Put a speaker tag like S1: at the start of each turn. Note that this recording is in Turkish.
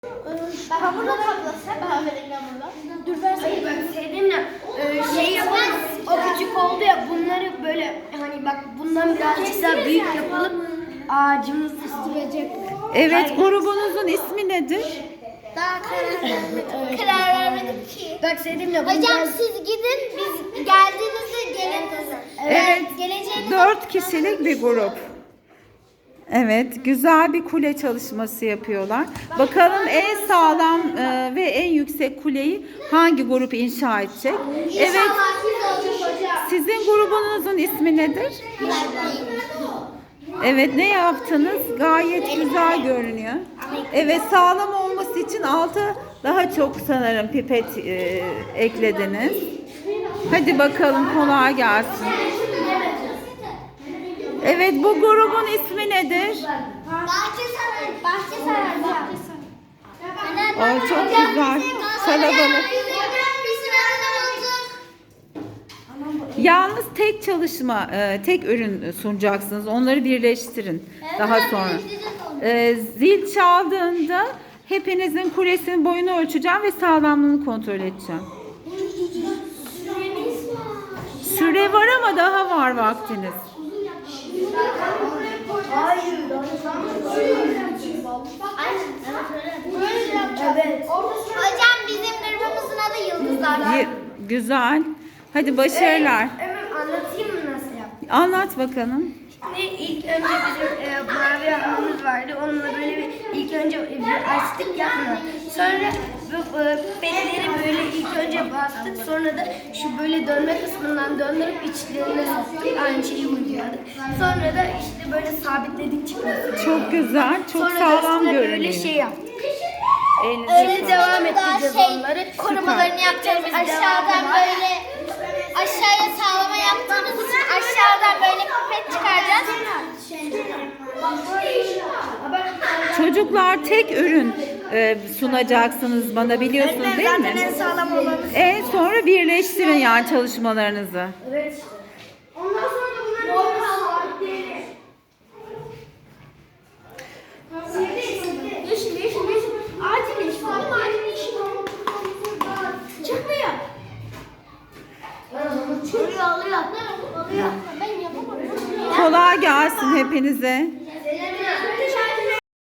S1: Hamurla kaplasak. Kahverengi hamurla.
S2: Dur versene. Hayır bak sevdiğimle şey yapalım. O küçük oldu ya, bunları böyle hani bak bundan birazcık daha büyük yapalım. Ağacımız sürecek.
S3: Evet, grubunuzun ismi nedir?
S1: Daha karar vermedim ki.
S2: Bak sevdiğimle
S1: Hocam siz gidin, biz geldiğinizde gelin.
S3: Evet,
S1: Geleceğiniz
S3: 4 kişilik bir grup. Evet, güzel bir kule çalışması yapıyorlar. Bakalım en sağlam ve en yüksek kuleyi hangi grup inşa edecek? Evet, sizin grubunuzun ismi nedir? Evet, ne yaptınız? Gayet güzel görünüyor. Evet, sağlam olması için alta daha çok sanırım pipet eklediniz. Hadi bakalım, kolay gelsin. Evet, bu grubun ismi nedir?
S1: Bahçesaray.
S3: Ay, çok güzel. Kalabalık. Yalnız tek çalışma, tek ürün sunacaksınız. Onları birleştirin daha sonra. Zil çaldığında hepinizin kulesinin boyunu ölçeceğim ve sağlamlığını kontrol edeceğim. Süre var ama daha var vaktiniz.
S1: Evet. Hocam bizim grubumuzun adı Yıldızlar.
S3: Güzel. Hadi başarılar.
S2: Hemen anlatayım mı nasıl yaptım?
S3: Anlat bakalım.
S2: Şimdi ilk önce bizim mavi hamurumuz vardı. Onunla böyle ilk önce bir açtık yapma. Sonra bu petleri böyle ilk önce bastık. Sonra da şu böyle dönme kısmından döndürüp içlerine soktuk. Aynı şeyi uyguladık. Sonra da işte böyle sabitledik çıkmasını.
S3: Çok güzel, çok
S2: Sonra da
S3: sağlam
S2: üstüne
S3: görünüyor.
S2: böyle şey yaptık.
S3: Elinize
S2: Öyle
S3: sağlık.
S2: devam ettireceğiz onları.
S1: Korumalarını yapacağız. Biz aşağıdan böyle aşağıya sağlama yaptığımız için aşağıdan böyle pipet çıkaracağız.
S3: Çocuklar, tek ürün sunacaksınız bana, biliyorsunuz değil mi?
S2: En sağlam olanı.
S3: En sonra birleştirin yani çalışmalarınızı.
S2: Evet. Ondan sonra da bunları sabitleyelim. Yeşil. Acil yeşil. Acil yeşil. Çıkmıyor.
S1: Oluyor. Ben yapamadım.
S3: Kolay gelsin hepinize.